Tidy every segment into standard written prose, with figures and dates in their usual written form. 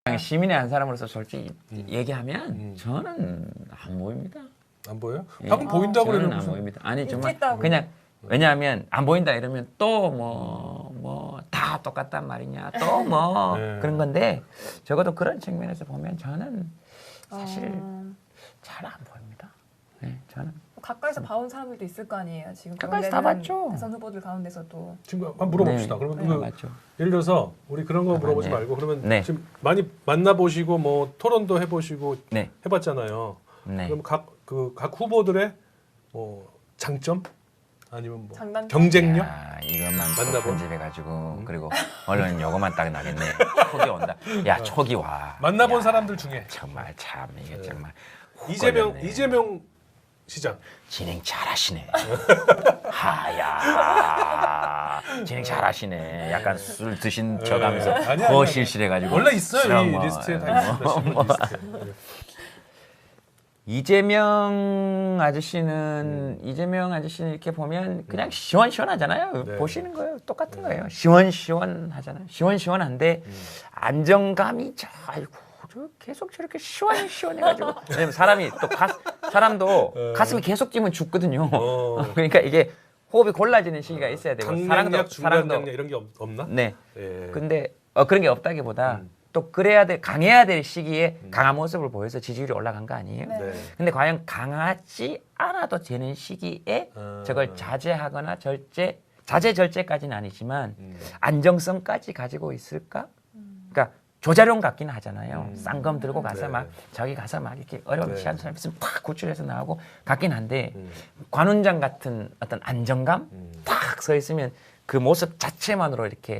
시민의 한 사람으로서 솔직히 얘기하면 저는 안 보입니다. 안 보여요? 예. 방금 보인다고 저는 그러는 안 무슨 보입니다. 아니 정말 있겠다고. 그냥 왜냐하면 안 보인다 이러면 또 뭐 다 똑같단 말이냐 또 뭐 네. 그런 건데 적어도 그런 측면에서 보면 저는 사실 잘 안 보입니다. 네, 저는 가까이서 봐온 사람들도 있을 거 아니에요. 지금 가까이서 다 원래는 봤죠. 대선 후보들 가운데서도. 지금 한번 물어봅시다. 네. 그러면 네. 그 맞죠. 예를 들어서 우리 그런 거 물어보지 네. 말고 그러면 네. 지금 많이 만나보시고 뭐 토론도 해보시고 네, 해봤잖아요. 네. 그럼 각 후보들의 뭐 장점 아니면 뭐 장단점? 경쟁력 야, 이것만 또 만나본? 편집해가지고 그리고 언론 요거만 딱 나겠네. 촉이 온다. 야 촉이 와. 만나본 야, 사람들 중에 정말 참 이게 네. 정말 이재명 걸렸네. 시장 진행 잘하시네. 하야 진행 잘하시네. 약간 술 드신 척하면서 아니야, 더 아니야. 실실해가지고 원래 있어요 그럼 이 뭐, 리스트에 다 있습니다. 신문 리스트에. 네. 이재명 아저씨는 이렇게 보면 그냥 시원시원하잖아요. 네. 보시는 거예요. 똑같은 거예요. 시원시원하잖아요. 시원시원한데 안정감이 아이고 저 계속 저렇게 시원시원해가지고 왜냐면 사람이 또 사람도 가슴이 계속 찌면 죽거든요. 그러니까 이게 호흡이 골라지는 시기가 있어야 되고 강량약, 중강량약 이런 게 없나? 네. 예. 근데 그런 게 없다기보다 또 강해야 될 시기에 강한 모습을 보여서 지지율이 올라간 거 아니에요? 네. 네. 근데 과연 강하지 않아도 되는 시기에 저걸 자제 절제까지는 아니지만 안정성까지 가지고 있을까? 그러니까 조자룡 같기는 하잖아요. 쌍검 들고 가서 네. 막 저기 가서 막 이렇게 어려운 네. 시한 사람 있으면 팍 구출해서 나오고 같긴 한데 관훈장 같은 어떤 안정감 딱 서 있으면 그 모습 자체만으로 이렇게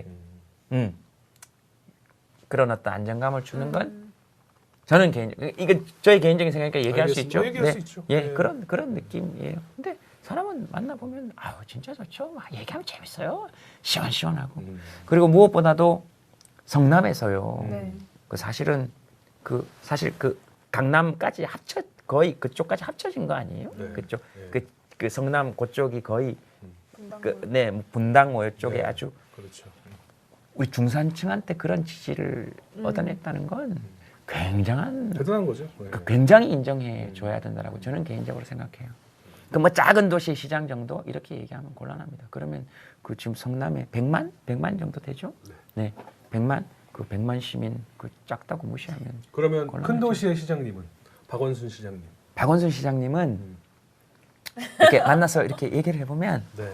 그런 어떤 안정감을 주는 건 저는 이건 저의 개인적인 생각이니까 얘기할 수 있죠. 얘기할 수 있죠. 예, 네. 그런 느낌이에요. 근데 사람은 만나보면 아유 진짜 좋죠. 막 얘기하면 재밌어요. 시원시원하고. 그리고 무엇보다도 성남에서요. 네. 사실 그 강남까지 거의 그쪽까지 합쳐진 거 아니에요? 네. 그쪽 네. 그 성남 그쪽이 거의 분당도. 네 분당 뭐 이쪽에 네. 아주 그렇죠. 우리 중산층한테 그런 지지를 얻어냈다는 건 굉장한 대단한 거죠. 네. 굉장히 인정해 줘야 된다라고 저는 개인적으로 생각해요. 그 뭐 작은 도시 시장 정도 이렇게 얘기하면 곤란합니다. 그러면 그 지금 성남에 100만 정도 되죠? 네. 100만 그 100만 시민 그 작다고 무시하면 그러면 곤란하죠. 큰 도시의 시장님은 박원순 시장님. 박원순 시장님은 이렇게 만나서 이렇게 얘기를 해보면 네.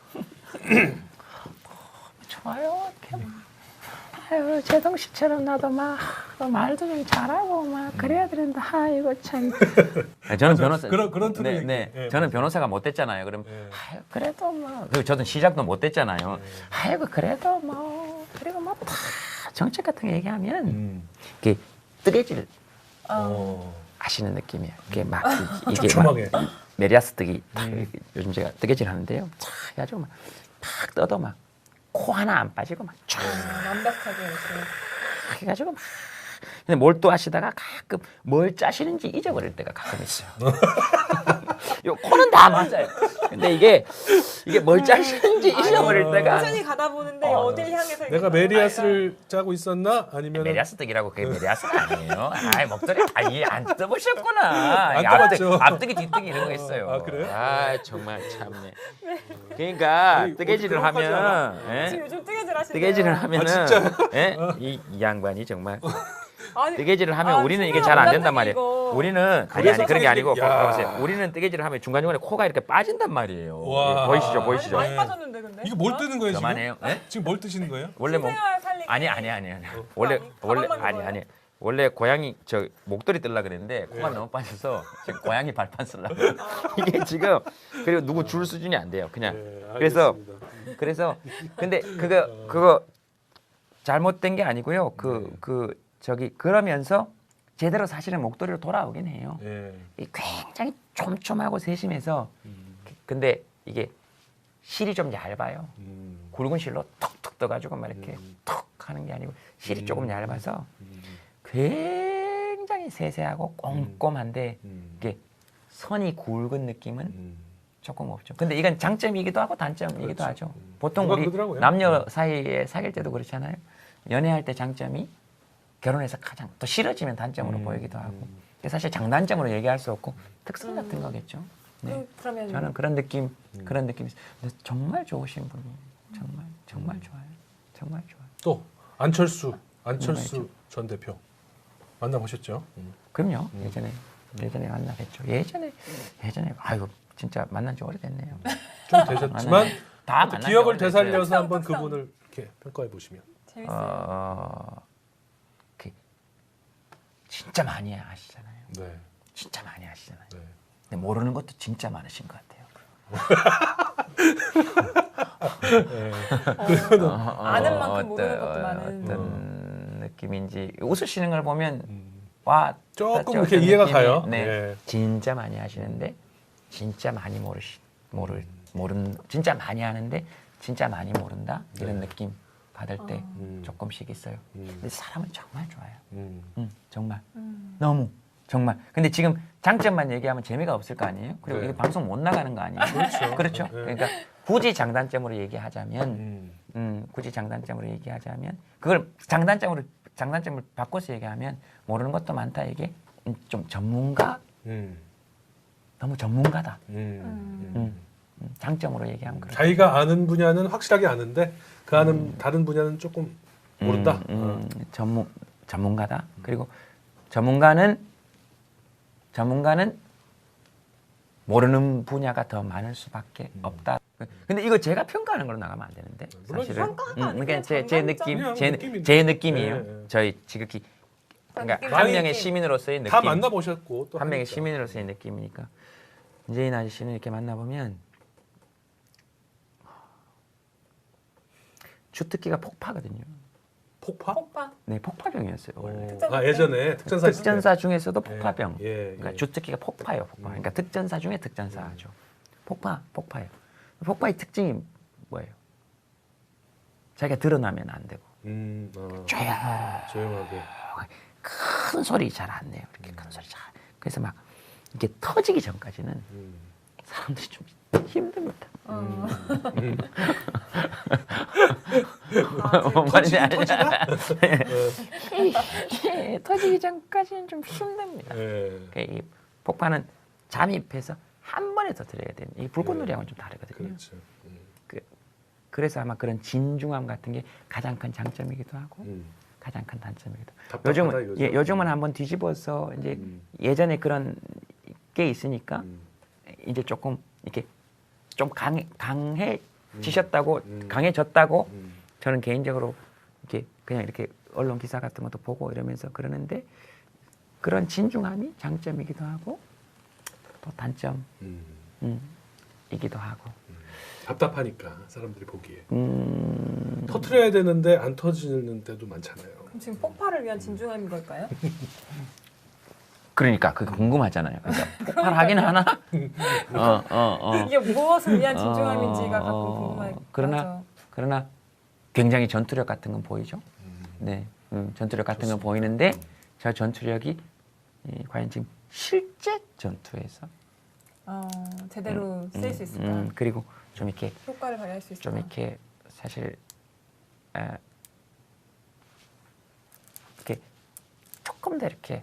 좋아요. 이렇게 아유 제동 씨처럼 나도 막 말도 좀 잘하고 막 그래야 되는데 아이고 참. 저는 변호사 그런 틀을 네. 얘기- 예, 저는 맞아요. 변호사가 못 됐잖아요. 그럼 예. 아유 그래도 뭐 그리고 저는 시작도 못 됐잖아요. 아이고 그래도 뭐 그리고 뭐 다 정책 같은 거 얘기하면 이게 뜨개질 하시는 느낌이에요. 이게 막 이게 촘촘하게. 막 메리아스 뜨기 요즘 제가 뜨개질 하는데요. 쫙 해가지고 막 떠도 막 코 하나 안 빠지고 막 쫙 완벽하게 이렇게. 해가지고 막 근데 몰두하시다가 가끔 뭘 짜시는지 잊어버릴 때가 가끔 있어요. 요 코는 다 맞아요. 근데 이게 뭘 짜시는지 잊어버릴 때가 천천히 가다 보는데 어딜 향해서 내가 메리아스를 짜고 있었나 아니면 메리아스 뜨기라고 그게 메리아스가 아니에요. 아이 목도리 안 떠보셨구나. 안 이게 떠봤죠. 앞뜨기 뒤뜨기 이런 거 있어요. 아, 그래요? 아 정말 참네. 그러니까 아니, 뜨개질을 그런 거까지 하면 예? 지금 요즘 뜨개질 하시네요. 뜨개질을 하면은 진짜요? 예? 이 양반이 정말 아니, 뜨개질을 하면 우리는 이게 진짜 잘 안 된단 원단뜨기 말이에요. 이거. 우리는 아니 그래서 그런 게 아니고 야. 보세요. 우리는 뜨개질을 하면 중간중간에 코가 이렇게 빠진단 말이에요. 와. 보이시죠? 많이 네. 빠졌는데 근데. 이거 뭘 뜨는 거예요 지금? 그만해요. 예? 지금 뭘 뜨시는 거예요? 원래 뭐 생활 살리기. 아니. 원래 가방만 아니 입어요? 아니. 원래 고양이 저 목도리 뜰라 그랬는데 코가 너무 빠져서 지금 고양이 발판 쓰려고. 이게 지금 그리고 누구 줄 수준이 안 돼요. 그냥 네, 그래서 근데 그거 잘못된 게 아니고요. 그러면서 제대로 사실은 목도리로 돌아오긴 해요. 예. 이 굉장히 촘촘하고 세심해서 근데 이게 실이 좀 얇아요. 굵은 실로 톡톡 떠가지고 막 이렇게 톡 하는 게 아니고 실이 조금 얇아서 굉장히 세세하고 꼼꼼한데 이게 선이 굵은 느낌은 조금 없죠. 근데 이건 장점이기도 하고 단점이기도 그렇죠. 하죠. 보통 누가 우리 그러더라고요. 남녀 사이에 사귈 때도 그렇잖아요. 연애할 때 장점이 결혼해서 가장 또 싫어지면 단점으로 보이기도 하고 사실 장단점으로 얘기할 수 없고 특성 같은 거겠죠. 네. 그러면 저는 그런 느낌이 있어요. 근데 정말 좋으신 분이에요. 정말 좋아요. 정말 좋아요. 또 안철수 네. 전 대표 만나보셨죠? 그럼요. 예전에 만나뵀죠. 예전에 아이고 진짜 만난 지 오래됐네요. 좀 되셨지만 다 또 만난 기억을 지 오래됐어요. 되살려서 한번 특성. 그분을 이렇게 평가해 보시면. 재밌어요. 진짜 많이 하시잖아요. 네. 진짜 많이 하시잖아요. 네. 근데 모르는 것도 진짜 많으신 것 같아요. 아는 만큼 모르는 것도 많은. 어떤 느낌인지 웃으시는 걸 보면 와 조금 어떤 이렇게 이해가 느낌이- 가요. 네, 네. 진짜 많이 하시는데 진짜 많이 모른 진짜 많이 하는데 진짜 많이 모른다 이런 느낌 받을 때 조금씩 있어요. 근데 사람은 정말 좋아요. 정말 너무 정말. 근데 지금 장점만 얘기하면 재미가 없을 거 아니에요? 그리고 네. 이게 방송 못 나가는 거 아니에요? 그렇죠. 네. 그러니까 굳이 장단점으로 얘기하자면, 굳이 장단점으로 얘기하자면 그걸 장단점을 바꿔서 얘기하면 모르는 것도 많다 이게 좀 전문가 너무 전문가다. 장점으로 얘기하면 그렇죠. 자기가 아는 분야는 확실하게 아는데 그 아는 다른 분야는 조금 모른다. 전문가다. 그리고 전문가는 모르는 분야가 더 많을 수밖에 없다. 근데 이거 제가 평가하는 걸로 나가면 안 되는데 물론 사실은. 평가가 아니고 그러니까 제 그냥 느낌, 느낌인데. 제 느낌이에요. 네. 저희 지극히 그러니까 느낌, 한 느낌. 명의 시민으로서의 느낌. 다 만나보셨고 또 한 명의 하니까. 시민으로서의 느낌이니까 이재인 아저씨는 이렇게 만나보면 주특기가 폭파거든요. 폭파? 폭파. 네, 폭파병이었어요 원래. 아 예전에 특전사 있을 때. 특전사 중에서도 폭파병. 예, 예. 그러니까 주특기가 폭파예요, 폭파. 그러니까 특전사 중에 특전사죠. 폭파예요. 폭파의 특징이 뭐예요? 자기가 드러나면 안 되고 조용하게. 큰 소리 잘 안 내요. 이렇게 큰 소리 잘. 그래서 막 이게 터지기 전까지는 사람들이 좀 힘듭니다. 뭔 말인지 알죠? 터지기 전까지는 좀 힘듭니다. 예. 그러니까 이 폭파는 잠입해서 한 번에 터뜨려야 되는. 이 불꽃놀이하고는 좀 다르거든요. 그렇죠. 그래서 아마 그런 진중함 같은 게 가장 큰 장점이기도 하고 가장 큰 단점이기도 하고. 답답하다, 요즘은 이거죠. 요즘은 한번 뒤집어서 이제 예전에 그런 게 있으니까 이제 조금 이렇게 좀 강해지셨다고 강해졌다고 저는 개인적으로 이렇게 그냥 이렇게 언론 기사 같은 것도 보고 이러면서 그러는데 그런 진중함이 장점이기도 하고 또 단점이기도 하고. 답답하니까 사람들이 보기에 터트려야 되는데 안 터지는 때도 많잖아요. 그럼 지금 폭파를 위한 진중함인 걸까요? 그러니까 그게 궁금하잖아요. 그러니까 폭발하긴 하나? 이게 무엇을 위한 진중함인지가 가끔 궁금하죠. 그러나 굉장히 전투력 같은 건 보이죠. 네, 전투력 같은 건 보이는데 저 전투력이 과연 지금 실제 전투에서 제대로 쓸 수 있을까? 그리고 좀 이렇게 효과를 발휘할 수 있을까? 좀 이렇게 사실 이렇게 조금 더 이렇게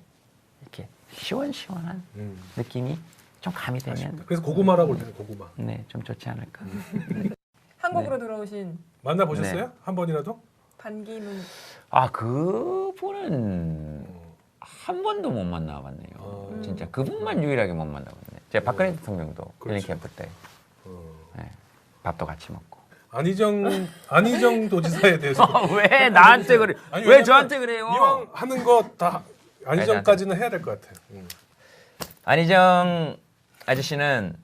시원시원한 느낌이 좀 가미되면 그래서 고구마라고 그러잖아요. 고구마. 네, 좀 좋지 않을까. 한국으로 들어오신 만나보셨어요? 네. 한 번이라도? 반기문 아, 그분은 한 번도 못 만나봤네요. 진짜 그분만 유일하게 못 만나봤네. 제가 박근혜 대통령도 힐링 그렇죠. 캠프 때 네, 밥도 같이 먹고. 안희정 도지사에 대해서 왜 나한테 그래? 아니, 왜 왜냐면 저한테 그래요? 이왕 하는 거 다 안희정까지는 해야 될 것 같아요. 안희정 아저씨는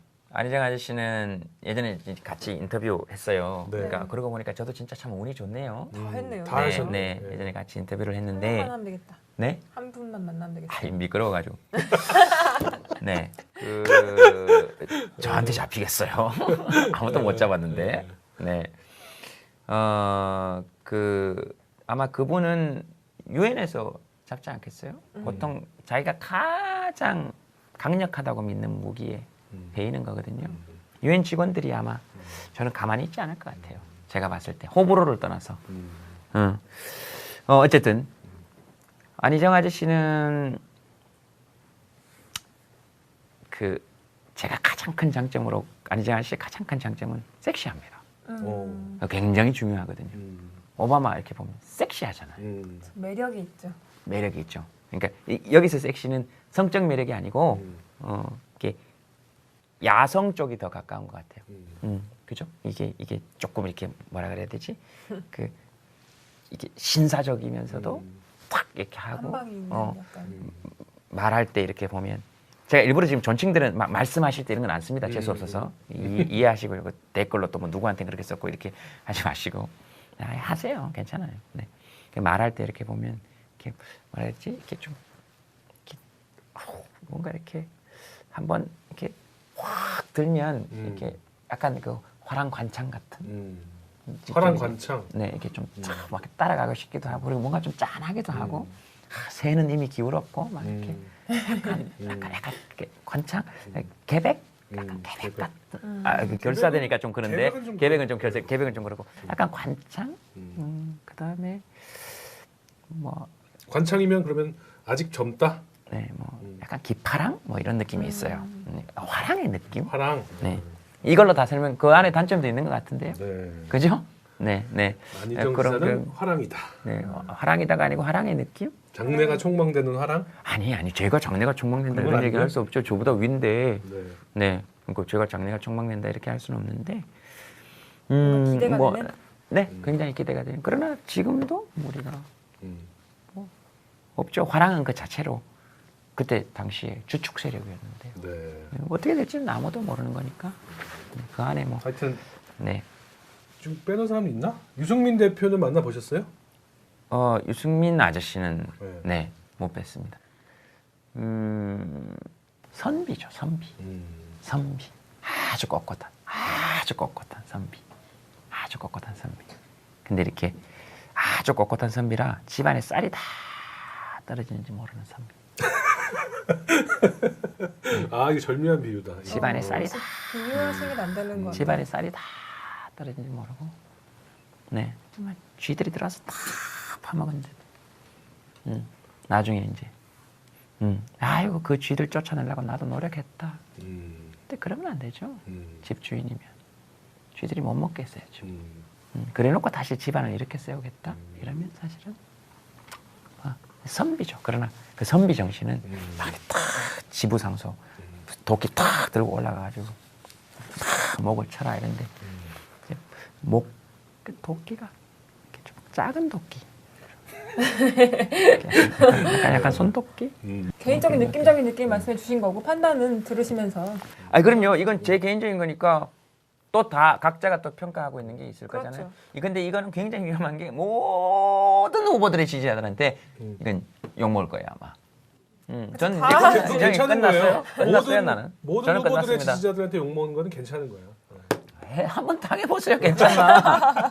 예전에 같이 인터뷰했어요. 네. 그러니까 그러고 보니까 저도 진짜 참 운이 좋네요. 다 했네요. 다 하셨네. 네, 네. 예전에 같이 인터뷰를 한 했는데 분만 하면 되겠다. 네? 한 분만 만나면 되겠다. 아이 미끄러워가지고. 네, 저한테 잡히겠어요. 아무도 못 잡았는데. 네, 아마 그분은 유엔에서 잡지 않겠어요? 보통 자기가 가장 강력하다고 믿는 무기에 베이는 거거든요. 유엔 직원들이 아마 저는 가만히 있지 않을 것 같아요. 제가 봤을 때 호불호를 떠나서. 어쨌든 안희정 아저씨는 그 제가 가장 큰 장점으로 안희정 아저씨의 가장 큰 장점은 섹시합니다. 굉장히 중요하거든요. 오바마 이렇게 보면 섹시하잖아요. 매력이 있죠. 매력이 있죠. 그러니까 여기서 섹시는 성적 매력이 아니고 이게 야성 쪽이 더 가까운 것 같아요. 그죠? 이게 조금 이렇게 뭐라 그래야 되지? 그 이게 신사적이면서도 탁 이렇게 하고 한방이 있는 약간. 말할 때 이렇게 보면 제가 일부러 지금 존칭들은 말씀하실 때 이런 건 안 씁니다. 재수 없어서 이해하시고 이거 댓글로 또 뭐 누구한테 그렇게 썼고 이렇게 하지 마시고 하세요. 괜찮아요. 네. 말할 때 이렇게 보면 이렇게 뭐라 했지? 이렇게 좀 이렇게 뭔가 이렇게 한번 이렇게 확 들면 이렇게 약간 그 화랑관창 같은. 화랑관창. 네, 이렇게 좀 막 따라가고 싶기도 하고 그리고 뭔가 좀 짠하기도 하고 새는 이미 기울었고 막 이렇게 약간 이렇게 관창, 계백, 약간 계백 같은. 그 결사되니까 좀 그런데 계백은 좀 계백은 좀 그렇고 약간 관창. 그다음에 뭐 관창이면 그러면 아직 젊다. 네, 뭐 약간 기파랑 뭐 이런 느낌이 있어요. 화랑의 느낌. 화랑. 네. 이걸로 다 설명. 그 안에 단점도 있는 것 같은데요. 네. 그죠? 네, 네. 안희정 그런 기사는 화랑이다. 네, 화랑이다가 아니고 화랑의 느낌? 장래가 촉망되는 화랑? 아니, 제가 장래가 촉망된다 그건 이런 얘기 아니에요? 할 수 없죠. 저보다 위인데, 네. 네, 그러니까 제가 장래가 촉망된다 이렇게 할 수는 없는데, 뭔가 기대가 되는? 네, 굉장히 기대가 되는. 그러나 지금도 우리가 음. 없죠. 화랑은 그 자체로 그때 당시에 주축 세력이었는데요. 네. 어떻게 될지는 아무도 모르는 거니까 그 안에 뭐, 하여튼 네. 좀 빼놓은 사람이 있나? 유승민 대표는 만나 보셨어요? 유승민 아저씨는 네. 네, 못 뵀습니다. 선비죠, 선비. 선비. 아주 꼿꼿한 선비. 아주 꼿꼿한 선비. 근데 이렇게 아주 꼿꼿한 선비라 집안에 쌀이 다 떨어지는지 모르는 선비. 아, 이게 절묘한 비유다. 집안에 쌀이 다 비유하시면 안 되는 거. 집안에 쌀이 다 떨어지는지 모르고, 네, 정말 쥐들이 들어와서 다 파먹은지. 나중에 이제, 아이고 그 쥐들 쫓아내려고 나도 노력했다. 근데 그러면 안 되죠. 집주인이면 쥐들이 못 먹게 했어야죠. 그래놓고 다시 집안을 이렇게 세우겠다. 이러면 사실은 선비죠. 그러나 그 선비 정신은 막 탁 지부상소 도끼 탁 들고 올라가가지고 탁 목을 쳐라 이런데 그 도끼가 이렇게 좀 작은 도끼. 약간 손도끼? 개인적인 느낌적인 느낌 말씀해 주신 거고 판단은 들으시면서. 그럼요. 이건 제 개인적인 거니까 또 다 각자가 또 평가하고 있는 게 있을 그렇죠. 거잖아요. 근데 이거는 굉장히 위험한 게 모든 후보들의 지지자들한테 이건 욕 먹을 거예요 아마. 저는 이제 그거 굉장히 괜찮은 거예요. 끝났어요 나는. 모든 저는 후보들의 끝났습니다. 지지자들한테 욕먹는 거는 괜찮은 거예요. 한번 당해보세요. 괜찮나?